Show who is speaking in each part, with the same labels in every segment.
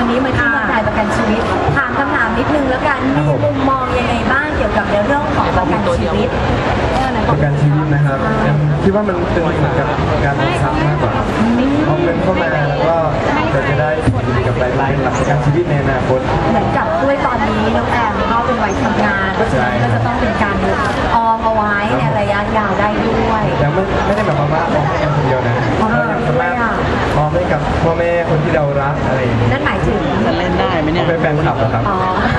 Speaker 1: วันนี้มาที่เมืองไทยประกันชีวิตถามคำถามนิดนึงแล้วกันมีมุมมองยังไงบ้างเกี่ยวกับในเรื่องของประกันชีวิต
Speaker 2: ประกันชีวิตนะครับคิดว่ามันเป็นเหมือนกับการลงทรัพย์มากกว่าเอาเงินเข้ามาแล้วก็จะได้ดีกับรายได้หลักประกันชีวิตในอนาคต
Speaker 1: เหมือนกับด้วยตอนนี้น้องแอมก็เป็นวัยทำงานก็จะต้องเป็นการออมเอาไว้ในระยะยาวได้ด้วย
Speaker 2: แต่ไม่ได้แบบว่าออมให้คนเดียวนะออมให้กับพ่อแม่คนที่เรารักอะไรอย่างนี้
Speaker 1: นั่นหมายถึง
Speaker 3: จะเล่นได้ไหมเนี่ย
Speaker 2: เป็นแฟนคลับเหรอครับ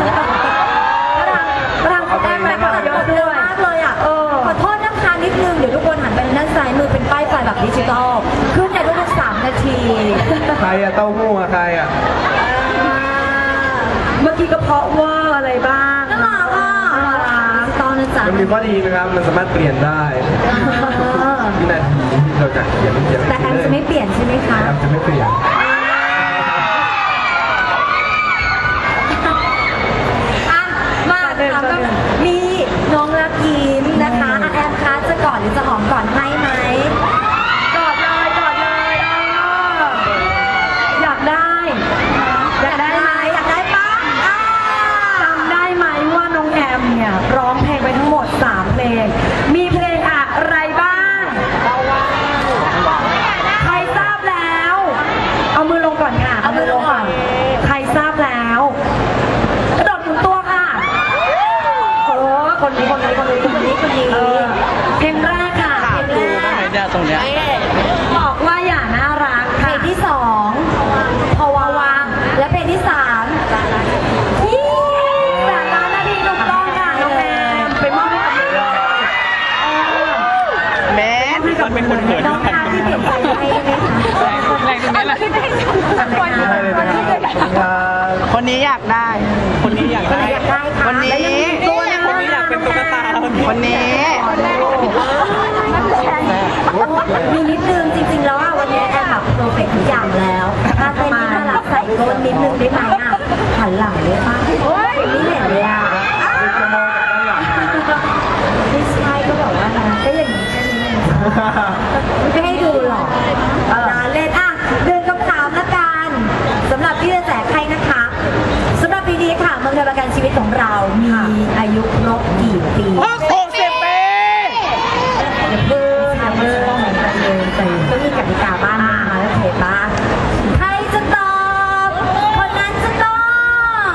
Speaker 1: รังแอมแบบเยอะด้วยมากเลยอ่ะขอโทษนะคะนิดนึงเดี๋ยวทุกคนหันไปด้านซ้ายมือเป็นป้ายไฟแบบดิจิตอลขึ้นในทุก3 นาที
Speaker 2: ใครอะเต้าหู้อะใครอะ
Speaker 1: เมื่อกี้ก็เพราะว่าอะไรบ้างน่ารักอ่ะตอนนั้นจ้ะ
Speaker 2: มันมีข้อดีนะครับมันสามารถเปลี่ยนได้วินาทีที่เราจะเขียน
Speaker 1: แต่แอมจะไม่เปลี่ยนใช่ไหมคะ
Speaker 2: แอมจะไม่เปลี่ยน
Speaker 1: มาถามมีน้องรักยิ้มนะคะแอมคะจะกอดหรือจะหอมก่อนให้ไหมกอดเลยอยากได้ไหมอยากได้ปะจำได้ไหมว่าน้องแอมเนี่ยร้องเพลงไปทั้งหมด3 เพลงมีเพลงอะไรบ้างใครทราบแล้วเอามือลงก่อนค่ะเอามือลงก่อนใครทราบแล้วกระโดดหมุนตัวค่ะคนนี้เพลงแรกค่ะเพลงแรก
Speaker 3: ตรงเนี้ย
Speaker 1: บอกว่าอย่าน่ารักเพลงที่2พอวางและเพลงที่33 นาทีถูกต้องค่ะน้องแอมไปมอบให้กับ
Speaker 3: แม่มันเป็นคนเขิน
Speaker 1: น้องค่ะที่เปลี่ยนใจให้ไหมคะ
Speaker 3: แรงตรงนี้แหละคนนี้อยากได้คนนี้อยากได้คนนี้อยากเป็นตุ๊กตาคนนี้
Speaker 1: มีนิดนึงจริงๆแล้ววันนี้แอมแบบเพอร์เฟกต์ทุกอย่างแล้วถ้าเต้นที่น่ารักใส่ก้นนิดนึงได้ไหมหันหลังได้ป่ะไม่เห็นเลยไม่ใช่ก็บอกว่านะก็อย่างนี้แค่นี้ไม่ให้ดูหรอกเล่นเดินคำถามละกันสำหรับที่จะแจกใครนะคะสำหรับปีนี้ค่ะเมืองไทยประกันชีวิตของเรามีอายุครบกี่ปี
Speaker 3: 60 ปี
Speaker 1: ก็มีกติกาบ้างนะคะแล้วเพจบ้างใครจะตอบคนนั้นจะต้อง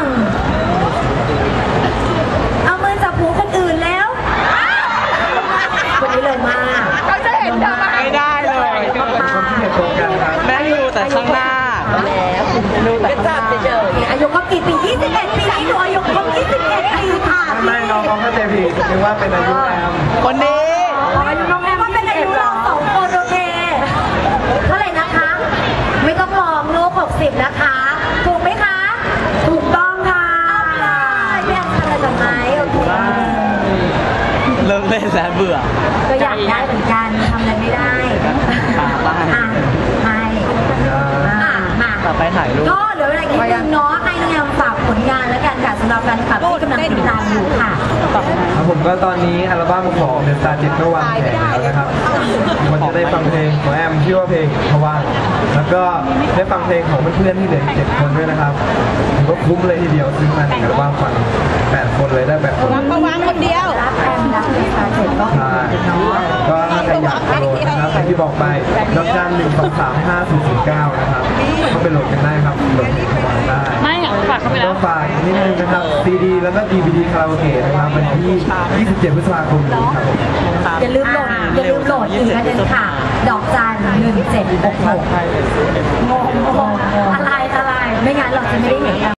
Speaker 1: เอามือจับหูคนอื่นแล้วคนนี้เลยมาก
Speaker 3: เขาจะเห็นทำไมไม่ได้เลยแม่ดูแต่ข้างหน้าดูแต่ข้างหน้า
Speaker 1: อายุก็กี่ปี21 ปีนี้หนูอายุครบ21 ปีค่ะ
Speaker 2: ไม่น้องเขาจะผิดนึกว่าเป็นอายุแอม
Speaker 3: คนนี้
Speaker 1: น้องแอมว่าเป็นอายุเรา2 คนโอเคเท่าไหร่นะคะไม่ต้องลองลูก60นะคะถูกไหมคะถูกต้องค่ะพี่แอมทำอะไรกับไม้โอเค
Speaker 3: เลิกเล่นแล้วเบื่อ
Speaker 1: ก็อยากได้เหมือนกันทำอะไรไม่ได้
Speaker 3: มาต่อไปถ่ายรูป
Speaker 1: ก็เหลือเวลาอีกนิดนึงเนาะให้น้องแอมฝากผลงานแล้วกันค่ะสำหรับแฟนคลับที่กำลังติดตามอยู่ค่ะ
Speaker 2: ครับผมก็ตอนนี้อัลบั้มของเดอะสตาร์7ก็วางแผงแล้วนะครับมันจะได้ฟังเพลงของแอมชื่อว่าเพลงทว่างแล้วก็ได้ฟังเพลงของเพื่อนๆที่เหลือ7 คนด้วยนะครับถือว่าคุ้มเลยทีเดียวซื้อมาในอัลบั้มฟัง8 คนเลยได้8 คน
Speaker 1: วางคนเดียวรับแอมรับเดอะสตาร์7
Speaker 2: ก็ถ้าใครอยากโหลดนะครับที่บอกไปดอกจัน1235409นะครับเข้าไปโหลดกันได้ครับโหลดเพลงของได้
Speaker 3: ไม่ฝากเข้าไปแล้ว
Speaker 2: ฝากนิดนึงนะครับ CD แล้วก็ DVD คาราโอเกะนะครับวันที่27 พฤษภาคมนี้ครับ
Speaker 1: อย่าลืมโหลดอีกอันนึงค่ะดอกจัน1766งงอะไรไม่งั้นเราจะไม่ได้เห็น